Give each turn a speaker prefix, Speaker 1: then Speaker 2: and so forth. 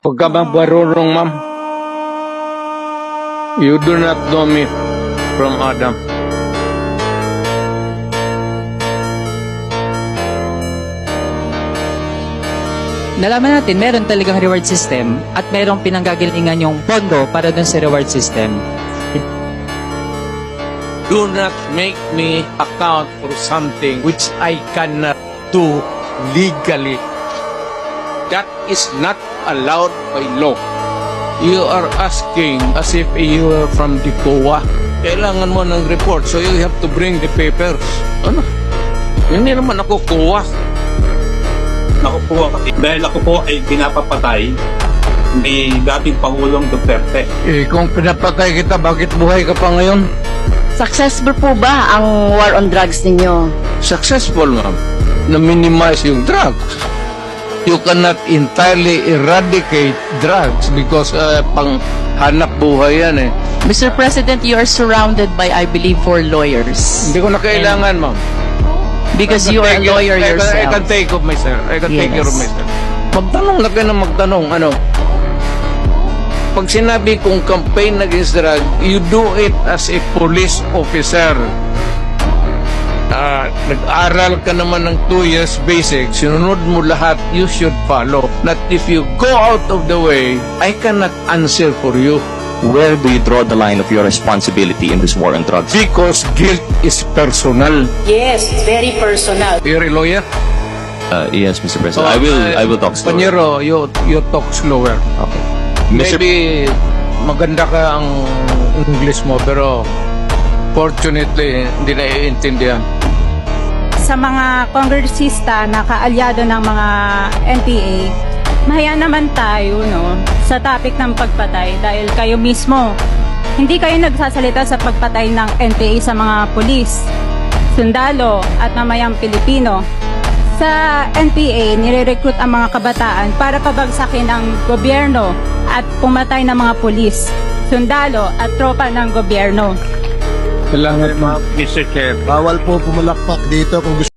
Speaker 1: Huwag ka bang barurong, ma'am? You do not know me from Adam.
Speaker 2: Nalaman natin meron talagang reward system at merong pinanggagalingan yung pondo para dun sa reward system.
Speaker 1: Do not make me account for something which I cannot do legally. That is not allowed by law. You are asking as if you are from the COA. Kailangan mo ng report, so you have to bring the papers. Ano? Hindi naman ako COA.
Speaker 3: Ako po, dahil ako po ay pinapapatay ni dating Pangulong Duterte.
Speaker 1: Eh, kung pinapatay kita, bakit buhay ka pa ngayon?
Speaker 4: Successful po ba ang war on drugs ninyo?
Speaker 1: Successful, ma'am. Na-minimize yung drugs. You cannot entirely eradicate drugs because pang hanap buhay yan eh.
Speaker 5: Mr. President, you are surrounded by, I believe, 4 lawyers.
Speaker 1: Hindi ko na kailangan, ma'am.
Speaker 5: Because you are a lawyer
Speaker 1: I
Speaker 5: yourself.
Speaker 1: can take of myself. I can take care of
Speaker 5: Yes.
Speaker 1: myself. Magtanong na kayo na magtanong. Ano? Pag sinabi kong campaign against drug, you do it as a police officer. Nag-aral ka naman ng 2 years basic, sinunod mo lahat, you should follow. Not if you go out of the way, I cannot answer for you.
Speaker 6: Where do you draw the line of your responsibility in this war on drugs?
Speaker 1: Because guilt is personal.
Speaker 4: Yes, very personal.
Speaker 1: You're a lawyer?
Speaker 6: Yes, Mr. President. I will talk slower.
Speaker 1: Panyero, you talk slower.
Speaker 6: Okay. Mr.
Speaker 1: Maybe maganda ka ang English mo, pero fortunately, hindi na iintindihan.
Speaker 7: Sa mga kongresista na kaalyado ng mga NPA, mahaya naman tayo sa topic ng pagpatay dahil kayo mismo, hindi kayo nagsasalita sa pagpatay ng NPA sa mga pulis, sundalo at mamayang Pilipino. Sa NPA, nire-recruit ang mga kabataan para pabagsakin ang gobyerno at pumatay ng mga pulis, sundalo at tropa ng gobyerno.
Speaker 1: Salamat, ma'am.
Speaker 3: Mr. Chair,
Speaker 8: Bawal po pumulakpak dito kung gusto